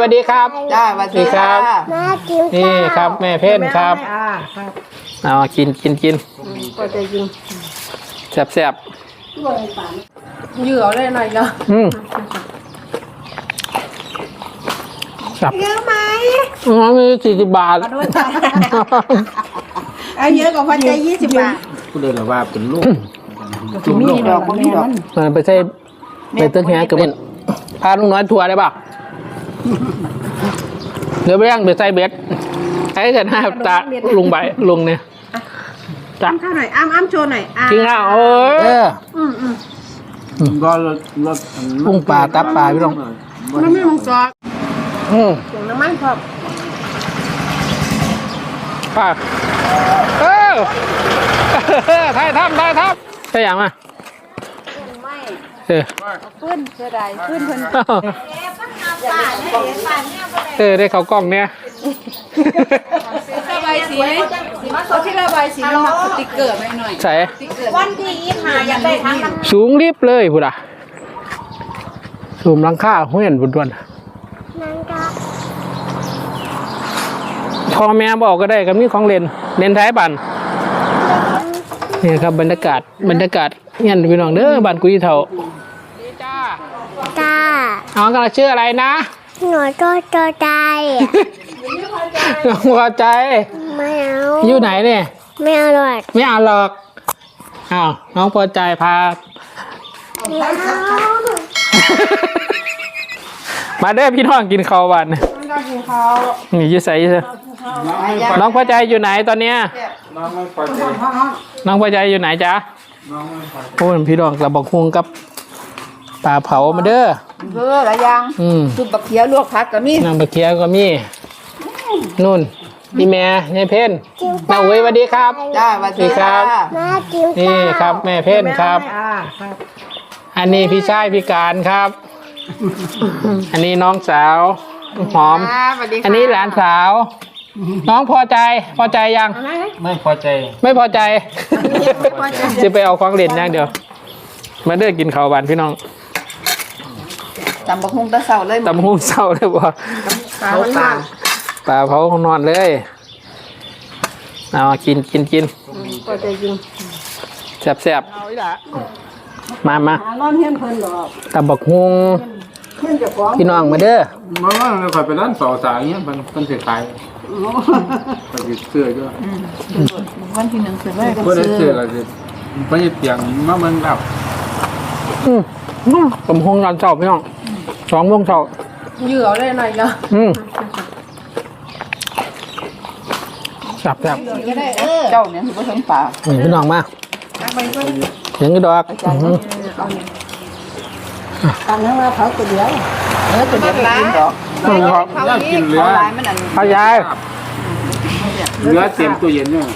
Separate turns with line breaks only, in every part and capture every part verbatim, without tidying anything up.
วัสดีครับ
จ้าสวัสดีครับ
แม่กิน
นี่ครับแม่เพ่นครับเอากินกินกิน
ก็จะกิน
แซ่บแซ่บ
เหยื่อเลยหน่อยเนาะ
อืมครับ
เยอะไหม
อ๋อมีสี่สิบบาท
เอาเยอะกว่าพันใจยี่สิบบาท
กูเดินละว่าเป็นลูก
มีดอกมีดอก
มันไปใช้ไปเติ้งแฮกับเป็นพาลุงน้อยทัวร์ได้ป่ะเดี๋ยวไปย่างเดี๋ยวใส่เบ็ดไอ้แต่หน้าตาลุงใบลุงเนี่ย
จ้าข้าวหน่อยอ้ำอ้ำโชว์หน่อย
กินข้าวเออ
อืมอืม
ก็รถรถ
กุ้งปลาตับปลาพี่น้อง
มันไม่ลงซอส
อืม
เสียงน้ำมันพอ
ปลาเออไทยทำไทยทำใช่ยังอ่ะเออ
ขึ้นเสียดายขึ้นเพิ่น
เออได้เขากล้องเนี่ย
ระบายสีเขาที่ระบายสีมันมาสติ๊กเกอร์ไม่หน่อย
ใส่
วันที่ยี่สิบห้าอยากได้ทั้งนั้น
สูงรีบเลยพูดอ่ะสูงลังค่าห้วยนบุญดวนพ่อแม่บอกก็ได้กับนี่ของเล่นเล่นท้ายบันนี่ครับบรรยากาศบรรยากาศเงี้ยพี่น้องเด้อบ้านกุยเถาดีจ้า
จ้า
น้องกำลังชื่ออะไรนะ
หนูก็จอใจ
น้องพอใจ
ไม่เอา
อยู่ไหนเนี่ย
ไม่เอาหรอก
ไม่เอาหรอกอ้าวน้องพอใจพามาเด้อพี่น้องกินข้าววันนี่ยืดใส่ยืดใส่น้องพอใจอยู่ไหนตอนเนี้ยน้องไม่พอใจน้องพอใจอยู่ไหนจ๊ะโอ้ยพี่น้องกระบอกฮวงกับปลาเผามาเด้อ
เออหลายอย่างซุปบักเขียวลวกผักก็มี
น้ำบักเขียวก็มีนุ่นพี่แม่ยายเพ่นน้าอุ้ยสวัสดีครับ
จ้าสวัสดีครับ
แม่กิน
นี่ครับแม่เพ่นครับอันนี้พี่ชายพี่การครับอันนี้น้องสาวหอมอันนี้หลานสาวน้องพอใจพอใจยัง
ไม่พอใจ
ไม่พอใจจะไปเอาของเล่นอย่างเดียวมาเด้อกินข้าวบ้านพี่น้อง
ตำบักหุ่งตะเสาเลย
ตำหุ่งเสาเลยบ่
เขาปลา
ปลาเผาของนอนเลยเอากินกินกิน
ก็จะกิน
แซ่บแซ่บมามาตำบักหุ่งพี่น้องมาเด้อ
มาว่าเราขายไปร้านสอสายเงี้ยมันมันเสียขายไปเสื้อก็
วันที่หนึ่งเสื้อแรก
ก็ได้เสื้ออะไรสิไปเตียงมาเมืองแบบ
อืมตำหุ่งร้านเสาพี่น้องสองโมงเช้า
เหยื่อเลยหน่อยเนาะ
อืมจับจับ
เจ้าเนี่ยคือผสมปลา
พี่น้องมาเสียงกระดอก
ตอนนั้นว่าเขาตัวเดียวเออตัวเดียวกินดอก
เขากินเรือ
พายาย
เรือเต็มตู้เย็นเนี่ย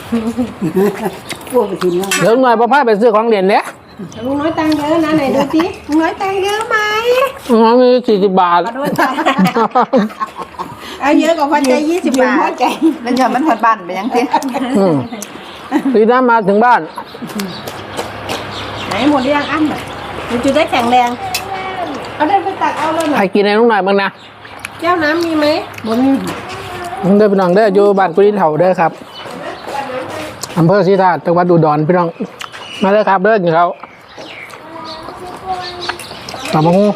เดี๋ยวหน่อยพ่อพาไปซื้อของเรียนเนี่ย
ลุงน้อยตังเยอะนะไหนดูสิลุงน้อยตังเยอะไหม
น้อยมีสี่สิบบาท
เอาเยอะกว่าพันใจยี่สิบบาท
มันจะมันพอดบ้านไปยังสิ
ปีหน้ามาถึงบ้าน
ไหนหมดยังอั้นมันจะได้แข็งแรงเอาได้ไปตักเอาเลยหน่อย
ใครกินในน้องหน่อยบ้างนะ
แก้วน้ำมีไหมบน
เด้อพี่น้องเด้ออยู่บ้านกุฎีเถาเด้อครับอำเภอศรีธาตุจังหวัดอุดรพี่น้องมาเลยครับเด้อกินเขาตำบักหุ่ง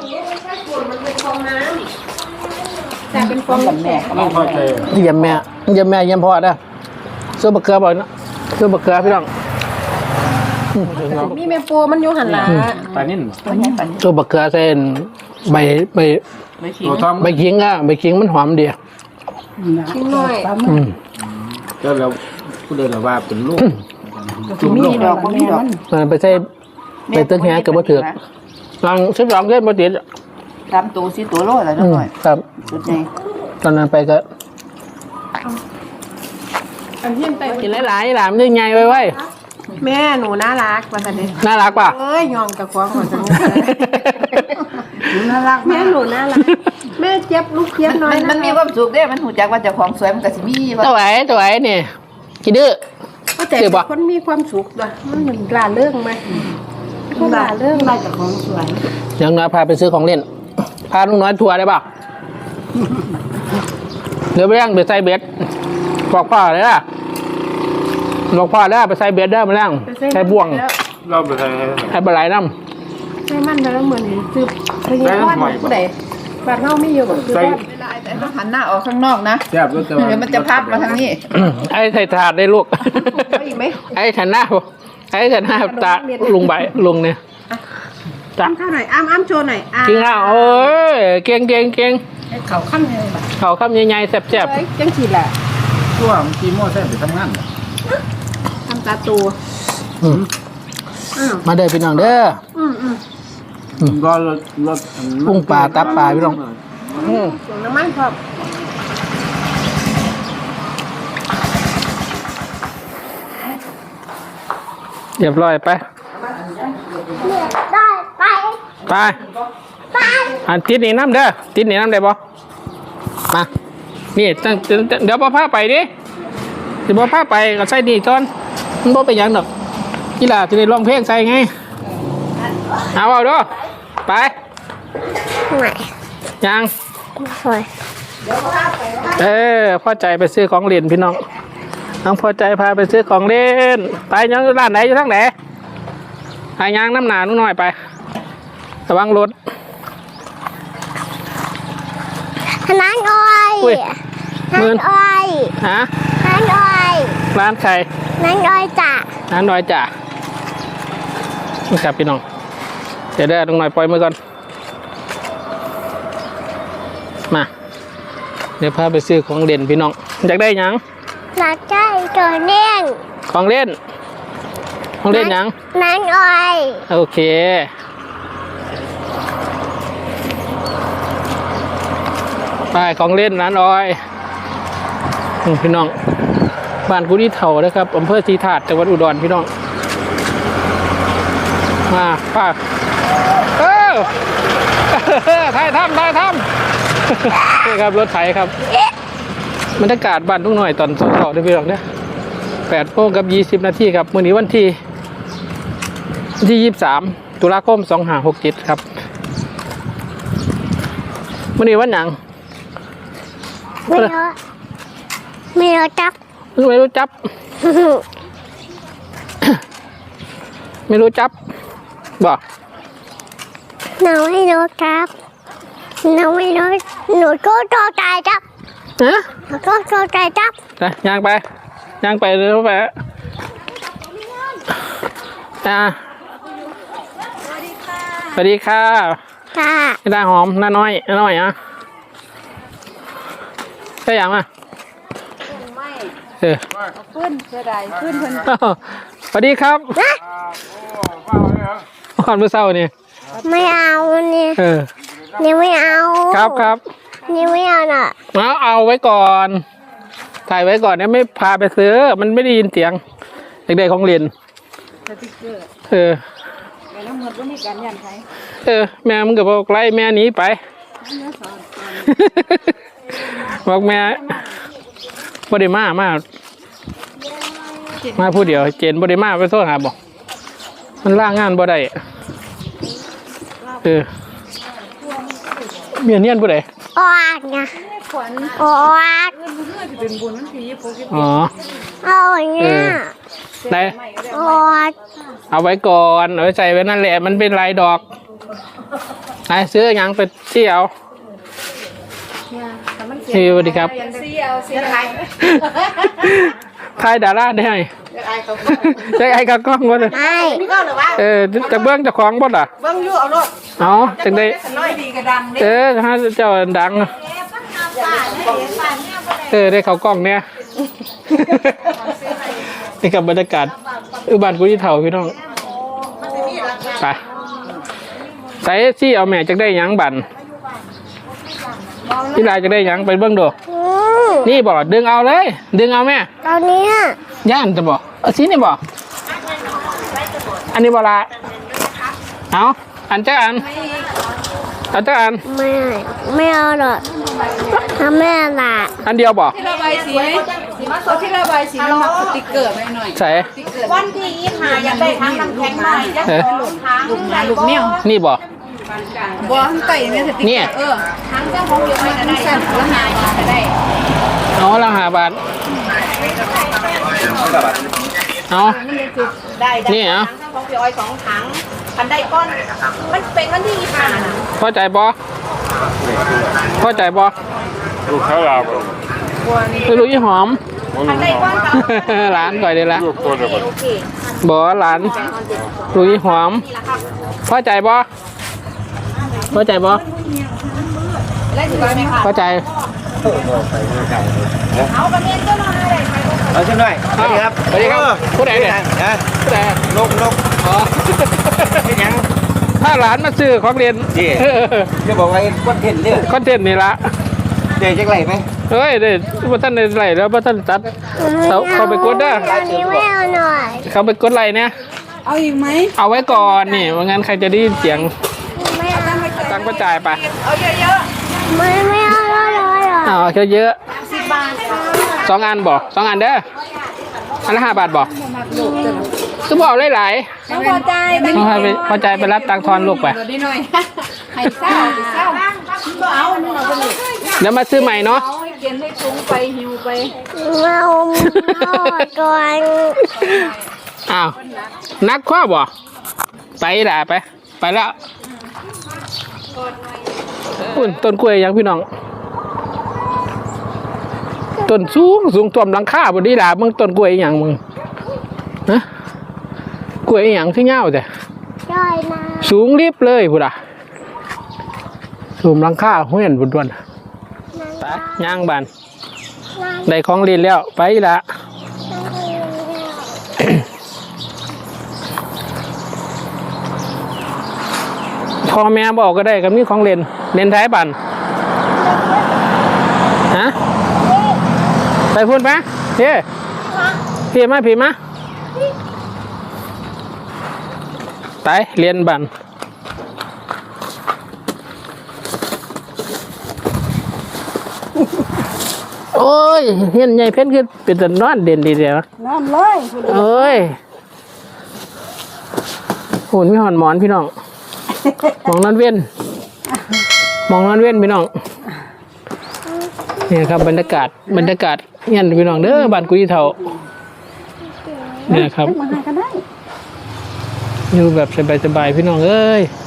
แต่เป็นฟอง
แม่
ไม่พอใจ
เยี่ยมแม่เยี่ยมแม่เยี่ยมพ่อเด้อซื้อบักเกลือบ่อยนะซื้อบักเกลือพี่น้อง
มีแม่ปูมันอยู่หันหลัง
ปลานิ่น
ซื้อบักเกลือเส้นใบใบใบขิงอ่ะใบขิงมันหอมดี
ขิงหน่อย
ก็แล้วกูเดินละว่าเป็นลูก
มีดอกมีดอก
มันไปใช้ไปเติ้งแฮกับบ่ถือกลองสิบสองเส้นบ่ติด
ทำตัวสิตัวโลอะไรนิดหน่อย
ครับ
สุดใหญ่
ตอนนั้นไปก็กินหลายๆหลามนี่ไงไว้ไว้
แม่หนูน่ารักว่าสันนิ
น่ารักป่ะ
เอ้ยยอมกับควงก่อนสันนิหนูน่ารักแม่หนูน่ารักแม่เจี๊ยบลูกเจี๊ยบน้อย
มันมีความสุขเด้มันหูจักว่าเจ้าของสวยมันก็สิมี
ตัวไหนตัวไหนนี่กี่ดื้อ
ก็แต่คนมีความสุขด้วยมันเหมือนกล้าเรื่องไหมกล้าเรื่องอะไรจากของสวย
ยังน้อยพาไปซื้อของเล่นพาลุงน้อยทัวร์ได้ป่ะเดี๋ยวไปย่างไปใส่เบ็ดบอกพ่อเลยล่ะบอกพ่อได้ไปใส่เบ็ดได้มาย่างใส่บ่วง
เราไปใส่
ให้ปลาไหลน้
ใช่มันแล้วเหมือนซื้อพญาวันผู้ใดบาดเฮาไม่อยู่แบบคือ
ใส่
ว่า
เวลาแต่ต้องหันหน้าออกข้างนอกนะ
แซ่บรสแต่ว่า
เดี๋ยวมันจะพับมาทางนี้
ำไอ้ใส่ถาดได้ลูก
เอาอีกไหม
ไอ้ฉันหน้าไอ้ฉันหน้าตาลุงใบลุงเนี่ยจ้ะ
ข้าวหน่อยอ้ามอ้ามโชว์หน่อยอ้าม
กินข้าวเอ้ยเก่งเก่งเก่ง
เขาขั้นเลยแบบ
เขาคำใหญ่ๆแซ่บ
เอ้ยจังสีแหละ
ตัวมันกีโม่แซ่บไปทำงาน
ทำตาตัว
ๆอืม
อ้าว
มาเด้อพี่น้องเด้อ
อืมอืม
ก็รสรส
กุ้งปลาตับปลาพี่น้องอืม
ส่งน้ำมันครับ
เรียบร้อยไป
ได้ไป
ไป
ไป
อันติดนี่น้ำเด้อติดนี่น้ำได้บ่มานี่ตั้งเดี๋ยวพ่อพาไปดิเดี๋ยวพ่อพาไปก็ใส่นี่ก่อนมันบ่เป็นหยังดอกกีฬาจะได้ร้องเพลงใส่ไงเอาเอาด้วยไป
ไหน
ยัง
สวย
เออพ่อใจไปซื้อของเล่นพี่น้องน้องพ่อใจพาไปซื้อของเล่นไปยังร้านไหนอยู่ทางไหนหายางน้ำหนาหน่อยไประวังรถ
น้านอ้อย
อุ้ย
น้า
มือน
อ้อย
ฮะ
น้านอ้อย
ร้านใคร
น้านอ้อยจ้ะ
ร้านน้อยจ่านี่ครับพี่น้องเดี๋ยวได้ตรงหน่อยปล่อยมือก่อนมาเดี๋ยวพาไปซื้อของเล่นพี่น้องอยากได้หยัง
นักใจตัวเน่ง
ของเล่นของเล่นหยัง
น้านอ้อย
โอเคไปของเล่นร้านออยอืมพี่น้องบ้านกุฎีเถานะครับอำเภอศรีถาดจังหวัดอุดรพี่น้องมาป้าเออ ไทยทำไทยทำนี่ครับรถไถครับบรรยากาศบ้านทุ่งหน่อยตอนสองๆได้พี่น้องเนี่ยแปดโมงกับยี่สิบนาทีครับมื้อนี้วันที่วันที่ยี่สิบสามตุลาคมสองห้าหกเจ็ดครับมื้อนี้วันหยัง
ไม่รู้ไม่รู้จับ
ไม่รู้จับ ไม่รู้จับบอก
หนูไม่รู้จับหนูไม่รู้หนูก็โตใจจับ
ฮะ
หนูก็โตใจจับ
ไปย่างไปย่างไปเร็วไปอ่าสวัสดีค่ะ
ค่ะ
นี่ได้หอมน้าน้อยน้าน้อยอ่ะใช่ยังอ่ะ
ไม่
เออ
ขึ้นเสียดายขึ้นเพิ่น
อ้าวสวัสดีครับก่อนเมื่อเช้านี่
ไม่เอาเนี่ย
เออ
นี่ไม่เอา
ครับครับ
นี่ไม่เอาน่ะ
เอาเอาไว้ก่อนถ่ายไว้ก่อนเนี่ยไม่พาไปซื้อมันไม่ได้ยินเสียงเด็กๆของเรียน
สติ๊กเกอร์
เออ
แต่น้ำเงินก็มีการยันไทย
เออแม่มึงก็บอกไล่แม่หนีไป บอกแม่บไดิมามามาผู้เดียวเจนบไดิมาไปโทษหาบอกมันล่างงานบ่ได้เออเมียเนียนผู้ใด
ออกนะ
ขวัญ
ออก
เพื่อนเพื่อนจะเป็นบุญมันผีโปกิ
อ๋อ
เอาอย่างเงี้ย
ไหน
ออก
เอาไว้ก่อนเอาไว้ใส่ไว้นั่นแหละมันเป็นลายดอกไหนซื้อหยังไปเที่ยวพี่สวัสดีครับ
เสียวเสียไทย
ทายดาราได้ไหมจะไอ้กับกล้องวะเลย
ไม่
นี่ก็หรือว่า
เออจะเบื้องเจะคล้าของบ่ล่ะ
เบิ้งยู่เอารถ
เอาจังได้
น้อยดีกระดังเด้
เออถ้าเจ้าดัง เออได้เขากล้องเนี่ย นี่กับบรรยากาศอุบานกุฎีเถาพี่น้องไปใส่ซี่เอาแม่จะได้หยังบันพี่ลายจะได้หยังไปเบื้องดู
อืม
นี่บอกดึงเอาเลย ดึงเอาแม่
ตอนนี้
ย่านจะบอกเอาซีนี่บอกอันนี้บอละเอาอันเจ้าอันอันเจ้าอัน
ไม่ไม่เอาหรอกทำแม่ละ
อันเดียวบอก
ที่ระบายสีเอาที่ระบายสีมันมาสติ๊กเกอร์ไม่หน่อย
ใส่
วันที่ยี่ห้าอยากได้ทั้งน้ำแข็งใหม่ยักษ์หลุดทั้งลูกหมาลูกเมี่ยว
นี่บอก
บัวทั้งไก่เนี่ยสติ๊ก
เนี่ย
เออทั้งเจ้าของเดียวกันได้สั่นละหาบาทได้
เอาละห้าบาทเอา
ได้ได้
นี่เหรอ
ทั้งของพี่อ้อยสองถังคันได้ก้อนมันเป็นวันที่ยี่สิบห้า
พอใจบอพอใจบอ
ลูกค้าลาว
ไม่รู้ยี่หอม
คันได้ก้อนกับ
หลานก่อยเลยละ
ลูกตัวเดียวกัน
โอเค
บอหลานรู้ยี่หอม
นี่แหละครับ
พอใจบอพอใจบอ
แล้วถือไหมคะ
พอใจ
เอากระเทียมเจ้าหน้าอะไรไป
เอาชิมหน่อยสวัสดีครับ
สวัสดีครับผู้ใดเนี่ย
นะ
ผู้ใด
นกนก
อ๋อ
เป็นยัง
ถ้าหลานมาซื้อของเรียน
นี่ จะบอกว่าวัดเห็นเนี่ย
คอนเทนต์นี่ละ
เด็กจะไหลไหม
เฮ้ยเด็ดว่าท่านในไหลแล้วว่าท่านตัดเขาเขาไปกดเด้อ
อันนี้ไม่เอาหน่อย
เขาไปกดไหลเนี่ย
เอาอีกไหม
เอาไว้ก่อนนี่ว่างั้นใครจะได้ยินเสียง
ไม่เอา
ตังค์ก็จ่ายไป
เอาเยอะ
ไม่ไม่เอาหน่อยหน่อย
เอาเยอะ
ๆสิบบาทค่ะ
ๆสองอันบอกสองอันเด้ออันละห้าบาทบอกก็บอกหลาย
ต้องพอใจ
ๆพอไปพอใจไปรับตังค์ทอนลูกไป
เดี๋ยวดีหน่อยให้เศร้าให้เศร้าก็เอาอันนี้เราไปเลย
เดี๋ยวมาซื้อใหม่เนาะ
เอาให้เกินให้ปรุงไปหิวไป
มาอมเอาก่อน
อ้าวนักข้อบ่ไปละไป ไปแล้วอุ่นต้นกล้วยยังพี่น้องต้นสูงสูงท่วมหลังคาบนนี้ล่ะมึงต้นกล้วยอหย่างมึงนะกล้วยอหย่างที่เงาแต่
ได้นะ
สูงรีบเลยพุดอะสูงหลังคาเห็นบุญดวนไปย่างบานได้ของเรียนแล้วไปละพ่อแม่บอกก็ได้กับนี่ของเรียนเรียนไทยบันฮะไปพูดไหมพี่พี่มาพี่มาไปเรียนบันโอ้ยเห็นใหญ่เพ้นคือเป็นแต่นอนเด่นดีเดียว
น้ำเลย
เอ้ยหุ่นไม่หอนหมอนพี่น้อง มองนอนเว้นมองนอนเว้นพี่น้องเนี่ยครับบรรยากาศบรรยากาศเงี้ยพี่น้องเด้อบ้านกุยเท่าเนี่ยครับ
มาหากันได้
อยู่แบบสบายๆพี่น้องเอ้ย